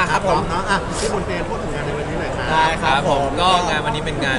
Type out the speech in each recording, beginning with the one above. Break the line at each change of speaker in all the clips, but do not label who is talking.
ครับผม
เนาะที่บนเตียงพูดถึงงานในวันนี้หน่อยครับ
ได้ครับผม
ก็งานวันนี้เป็นงาน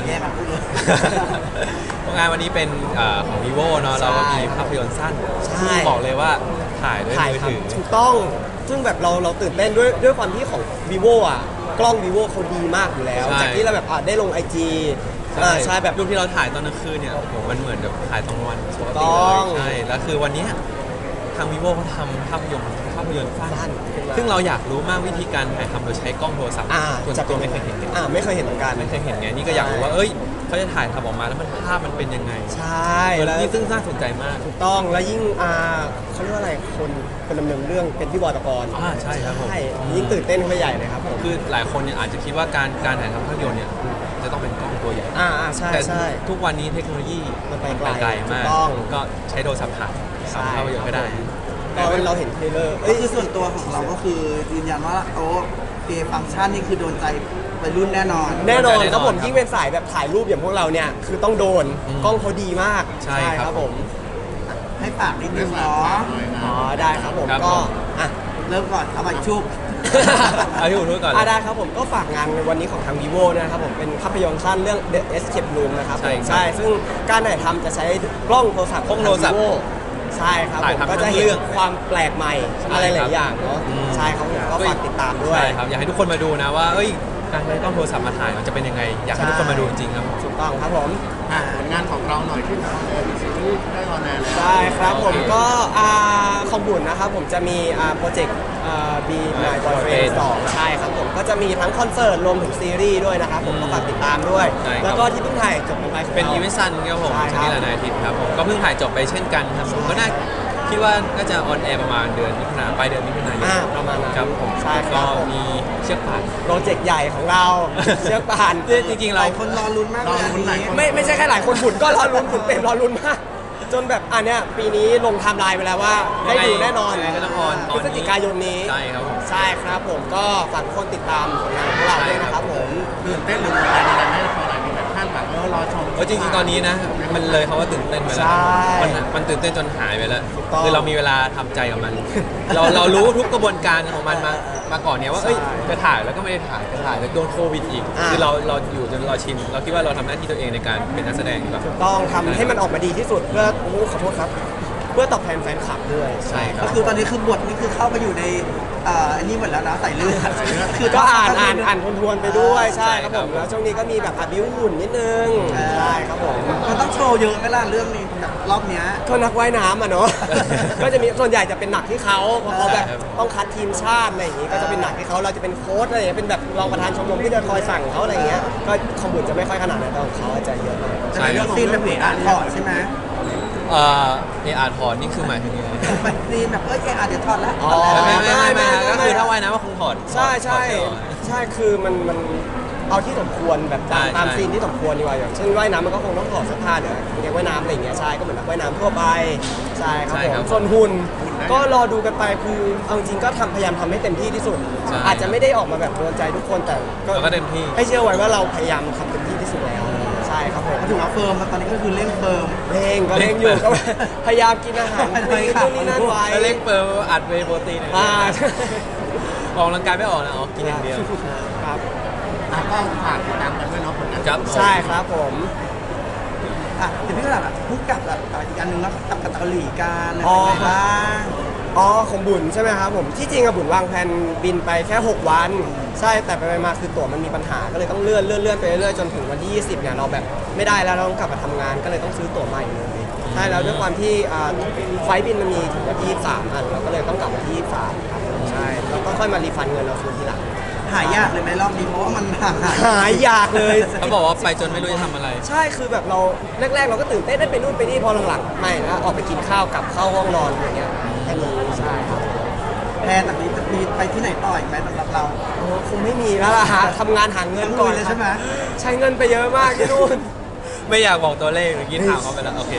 งานวันนี้เป็นของ vivo เนาะเราก็มีภาพยนตร์สั้นซึ่งบอกเลยว่าถ่ายด้วยมือถือ
ถูกต้องซึ่งแบบเราตื่นเต้นด้วยความที่ของ vivo อ่ะกล้อง vivo เขาดีมากอยู่แล้ว จากที่เราแบบได้ลง IG ใช่แบบ
รูปที่เราถ่ายตอนกลางคืนเนี่ยโอ้โหมันเหมือนแบบถ่ายตอนวันปกติ
ต้
เล
อย ง
ใช่แล้วคือวันเนี้ยทาง vivo เขาทำภาพยนตร์สั้น
สั้นขึ้นมา
ซึ่งเราอยากรู้มากวิธีการถ่ายทำโดยใช้กล้องโทรศัพท์ส่วนตัวไม่เคยเห็น
ไม่เคยเห็นเหมือนกัน
ไม่เคยเห็นไงนี่ก็อยากรู้ว่าเอ้ยเขาจะถ่ายทำออกมาแล้วมันภาพมันเป็นยังไง
ใช่แล้ว
นี่ซึ่งน่าสนใจมาก
ถูกต้องแล้วยิ่งเขาเรียกว่าอะไรคนดำเนินเรื่องเป็นพี่บอยปกรณ์
ใช่ครับผม
ใช่ยิ่งตื่นเต้นขึ้นไปใหญ่เลยครับผม
คือหลายคนเนี่ยอาจจะคิดว่าการถ่ายทำภาพยนตร์เนี่ยจะต้องเป็นกล้องตัวใหญ่
ใช่
แต่
ใช่
ทุกวันนี้เทคโนโลยี
มันไป
ไกล
ถู
มาก
ต้อง
ก็ใช้โทรศัพท์ถ่าย
ใช่
ทำภาพยนตร์ก็ได้
ตอนเราเห็นเทรลเลอร์
ก็คือส่วนตัวของเราก็คือยืนยันว่าเกมฟังก์ชันนี่คือโดนใจวัยรุ่นแน่นอน
แน่นอน
แน่นอน
ครับผม
ครับ
ยิ่งเป็นสายแบบถ่ายรูปอย่างพวกเราเนี่ยคือต้องโดนกล้องเขาดีมาก
ใช่ครับ
ผม
ให้ฝากนิดนึงเนาะ
ได้ครับผม
ครับ
ก็
ผม
เริ่มก่อนเอาไปชุบ
เอาที่ผมรู้ก่อนเลย
ได้ครับผมก็ฝากงานในวันนี้ของทาง vivo นะครับผมเป็นภาพยนตร์สั้นเรื่อง The Escape Room นะครับ
ใช่ครับ
ใช่ซึ่งการถ่ายทำจะใช้กล้องโทรศัพท์
กล้องโทรศัพท์
ของ Vivo ใช่ครับ
ถ่าย
ผม
ทำ
ก็จะ
ทั้ง
เห็
เรื่
น
อง
ความแปลกใหม่
ใช่
อะไรห
ครั
ลา
บ
ยอย่างเนาะใช่ครับผมก็ฝากติดตามด้วย
ใช่ครับอยากให้ทุกคนมาดูนะว่าเอ้ยการใช้กล้องโทรศัพท์มาถ่ายมันจะเป็นยังไง อยากให้ทุกคนมาดูจริงๆครับ
ถูกต้องครับผม
ผลงานของเราหน่อยที่ออนแอร์ซีรีส์ได้ออนแอร์แล้ว
ได้ครับผม
โอเค
ก็ของบุญนะครับผมจะมีโปรเจกต์บีนายบอยเฟรนด์2ใช่ครับผมก็จะมีทั้งคอนเสิร์ตรวมถึงซีรีส์ด้วยนะครับผมก็ฝากติดตามด้วย
ใช่ครับ
แล้วก็ที่เพิ่งถ่ายจบไปของ
เป็น
รา
อีเวนต์ซันครับผม
ใช่ครับ
ชนิดละนายอาทิตย์ครับผมก็เพิ่งถ่ายจบไปเช่นกันครับผมก็น่าคิดว่าน่าจะออนแอร์ประมาณเดือนมิถุนายนปลายเดือนมิถุนายน
ประมาณนั้น
ครับผม
ใช่ค
ก็
รับผม
มีเชือกป่าน
โปรเจกต์ใหญ่ของเรา เชือกป่าน
จริงๆ
ห
เรา
ลายคนรอลุ้นมากเลย
รอลุ้นหลายคน
ไม่ใช่แค่หลายคนบุญก็รอลุ้นบุญเป็นรอลุ้นมากจนแบบเนี้ยปีนี้ลงไทม์ไลน์ไปแล้วว่าได้ดูแน่นอน
ยังไงก็ต้องออนต
พ
อ
ฤ
น
ศ
นี้
จิกายนนี้
ใช่ครับผม
ใช่ครับผมก็ฝากทุกคนติดตามผลงานของเราด้วยนะครับผม
ตื่นเต้นหรืออะไรอะไรไหมพอหลายคนแบบคาดหวังรอชม
จริงๆตอนนี้นะมันเลยคำว่าตื่นเต้นไปแล้ว
ใช่
มันตื่นเต้นจนหายไปแล้ว
ถูกต้อง
คือเรามีเวลาทำใจกับมัน เรารู้ทุกกระบวนการของมันมาก่อนเนี่ยว่าเอ้ย
ใช่
จะถ่ายแล้วก็ไม่ได้ถ่ายจะถ่ายแล้วโดนโควิดอีกคือเราอยู่จนเราชินเราคิดว่าเราทำหน้าที่ตัวเองในการเป็นนักแสดงดีกว่า
ถูกต้องทำให้มันออกมาดีที่สุดเพื่อขอโทษครับ เพื่อตอบแทนแฟนคลับด้วย
ใช่ครั
ก็
บ
คือตอนนี้คือบทนี่คือเข้าไปอยู่ในอันนี้หมดแล้วนะใส่เลือดคือ
ก็อ่านทวนๆไปด้วยใช่ครับผม
ใช่ครับ
แล้วช่วงนี้ก็มีแบบบิ้วหุ่นนิดนึงใช่ครับผม
มันต้องโชว์เยอะไหมล่ะเรื่องนี้กับรอบเนี้ย
ก็นักว่ายน้ำเนาะ ก็จะมีส่วนใหญ่จะเป็นหนักที่เขาเพราะเขาแบบต้องคัดทีมชาติอะไรอย่างงี้ก็จะเป็นหนักที่เขาเราจะเป็นโค้ชอะไรอย่างเงี้ยเป็นแบบรองประธานชมรมที่จะคอยสั่งเขาอะไรอย่างเงี้ยก็ขบุญจะไม่ค่อยขนาดนั้นแต่ของเขาจะเยอะหน่อย
จะเป็นเรื่องซีนแบบเอกอาร์ถอดใช่ไหม
เออาร์ถอดนี่คือหมายถึงยังไง
แบบซีนแบบเอกอาร์เดี๋ยวถอดแล้ว
อ๋อ
ไม่ก็คือถ้าว่ายน้ำก็คงถอด
ใช่ใช่
ถอดเสื้อออก
ใช่คือมันเอาที่สมควรแบบตาม
ใช่
ตาม
ใช่
ซีนที่สมควรดีกว่าอย่างเช่นว่ายน้ำมันก็คงต้องถอดเสื้อผ้าเดี๋ยวเรียกว่ายน้ำอะไรอย่างเงี้ยใช่ก็เหมือนนักว่ายน้ำทั่วไปใช่ครับผมส่วนหุ่นก็รอดูกันไปคือเอาจริงๆก็พยายามทำให้เต็มที่ที่สุด
ใช่
อาจจะไม่ได้ออกมาแบบโดนใจทุกคนแต่
เราก็เต็มที่
ให้เชื่อไว้ว่าเราพยายามทำเต็มที่ที่สุดแล้วใช่ครับผม
มาถึงว่าเฟิร์มแล้วตอนนี้ก็คือเร่งเฟิร์ม
เร่งก็เร่งอยู่ก็พยายามกินอาหาร
ไม่
ค
ได้
ลีน
ค่ะ
นู่นนี่นั่นไว้
แล้วเล่งเปิดอัดเวย์โปรตีนเนี่ย
ใช่
ออกกำลังกายไม่ออกนะกินอย่างเดียว
ครับ
ก็ฝากติดตามกันด้วยเนาะผลงาน
ครับ
ใช่ครับผม
เดี๋ยวพี่ก็แบบพูดกับอีกอันหนึงแล้วกับเกาหลีกันอะไร
อ๋อ
บ้าง
ของบุญใช่ไหมครับผมที่จริงอะบุญวางแผนบินไปแค่ 6 วัน ใช่แต่ไปมาคือตั๋วมันมีปัญหาก็เลยต้องเลื่อนไปเรื่อยๆจนถึงวันที่ 20เนี่ยเราแบบไม่ได้แล้วเราต้องกลับมาทำงานก็เลยต้องซื้อตั๋วใหม่เลยใช่แล้วด้วยความที่ไฟล์บินมันมีถึงวันที่23อันเราก็เลยต้องกลับวันที่23ครับใช่แล้วก็ค่อยมารีฟันเงินเราคืนทีหลัง
หายากเลยไหมรอบนี้เพราะว่ามันห่างหาย
หายอยากเลย
เขาบอกว่าไปจนไม่รู้จะทำอะไร
ใช่คือแบบเราแรกๆเราก็ตื่นเต้นได้ไปนู่นไปนี่พอหลังๆไม่นะออกไปกินข้าวกลับเข้าห้องนอนอย่างเงี้ยแค่นี้ใช่ครับ
แพนจากนี้จะมีไปที่ไหนต่ออีกไหมสำหรับเรา
โอ้คงไม่มีแล้วล่ะฮะทำงานหาเงินก่อน
ลุยเลยใช่ไหม
ใช้เงินไปเยอะมากที่นู่น
ไม่อยากบอกตัวเลขเมื่อกี้ถามเขาไปแล้วโอเค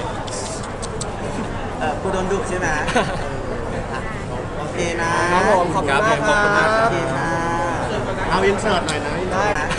กูโดนดุใช่ไหมโอเคนะครับ
ผมขอบคุณมาก
ครับผมขอบคุณมาก
ค
โอ
รับ
เคค่ะ
เอาอินเสิร์ตหน่อยนะ
ได้